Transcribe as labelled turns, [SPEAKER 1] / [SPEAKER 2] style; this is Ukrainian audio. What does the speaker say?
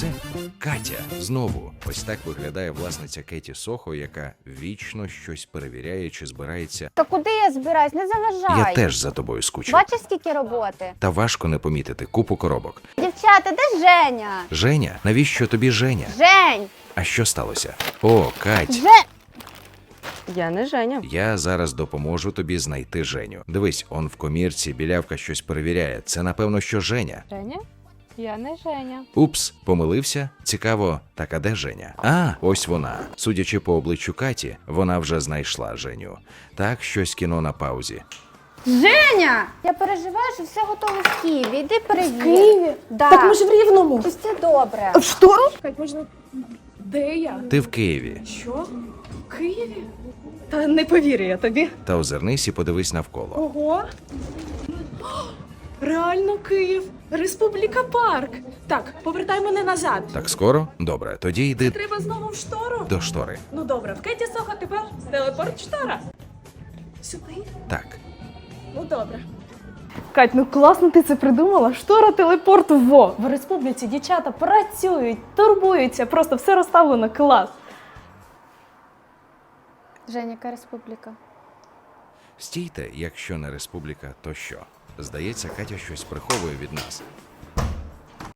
[SPEAKER 1] це Катя. Знову. Ось так виглядає власниця Кеті Сохо, яка вічно щось перевіряє чи збирається.
[SPEAKER 2] Та куди я збираюсь? Не заважай.
[SPEAKER 1] Я теж за тобою скучив.
[SPEAKER 2] Бачиш, скільки роботи?
[SPEAKER 1] Та важко не помітити купу коробок.
[SPEAKER 2] Дівчата, де Женя?
[SPEAKER 1] Женя? Навіщо тобі Женя?
[SPEAKER 2] Жень!
[SPEAKER 1] А що сталося? О, Кать.
[SPEAKER 3] Я не Женя.
[SPEAKER 1] Я зараз допоможу тобі знайти Женю. Дивись, он в комірці білявка щось перевіряє. Це, напевно, що Женя.
[SPEAKER 3] Женя? Я не Женя.
[SPEAKER 1] Упс, помилився? Цікаво, так а де Женя? А, ось вона. Судячи по обличчю Каті, вона вже знайшла Женю. Так, щось кіно на паузі.
[SPEAKER 2] Женя! Я переживаю, що все готове в Києві. Іди перевір.
[SPEAKER 4] В Києві?
[SPEAKER 2] Да.
[SPEAKER 4] Так ми ж в Рівному.
[SPEAKER 2] Ось це добре.
[SPEAKER 4] В штору? Кать, можна... Де я?
[SPEAKER 1] Ти в Києві.
[SPEAKER 4] Що? В Києві? Та не повірю я тобі.
[SPEAKER 1] Та озирнись і подивись навколо.
[SPEAKER 4] Ого. О, реально Київ. Республіка Парк. Так, повертай мене назад.
[SPEAKER 1] Так скоро? Добре, тоді йди
[SPEAKER 4] Треба знову в штору?
[SPEAKER 1] до штори.
[SPEAKER 4] Ну добре, в Кеті Сохо тепер телепорт штора. Сюди?
[SPEAKER 1] Так.
[SPEAKER 4] Ну добре. Кать, ну класно ти це придумала. Штора телепорту во. В республіці дівчата працюють, турбуються, просто все розставлено, клас.
[SPEAKER 2] Женя, яка республіка?
[SPEAKER 1] Стійте, якщо не республіка, то що? Здається, Катя щось приховує від нас.